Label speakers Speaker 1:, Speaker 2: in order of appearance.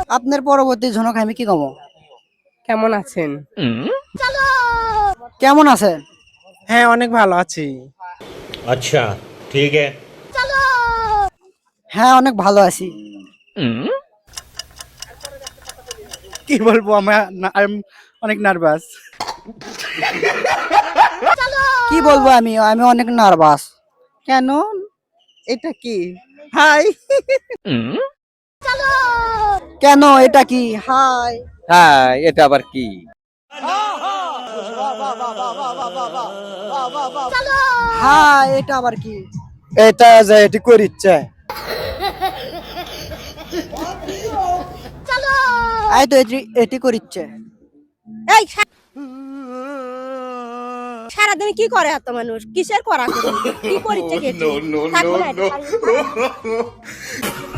Speaker 1: আপনার পরবর্তী ঝনক আমি কি কমো?
Speaker 2: কেমন আছেন?
Speaker 1: কেমন আছেন?
Speaker 2: হ্যাঁ, অনেক ভালো আছি।
Speaker 3: अच्छा ठीक है।
Speaker 1: হ্যাঁ, অনেক ভালো আছি।
Speaker 2: কি বলবো, আমি অনেক নার্ভাস।
Speaker 1: কি বলবো আমি আমি অনেক নার্ভাস।
Speaker 2: কেন? এটা কি? হাই।
Speaker 1: কেন, এটা কি? হাই।
Speaker 4: হ্যাঁ, এটা আবার কি?
Speaker 1: হাই, এটা আবার কি?
Speaker 4: এটা যে এটি করিচ্ছে।
Speaker 1: এই তো এটি করিচ্ছে।
Speaker 5: এই সারাদিন কি করে এত মানুষ? কিসের করা করি? কি করিচ্ছে কি? থাকবো না এটা।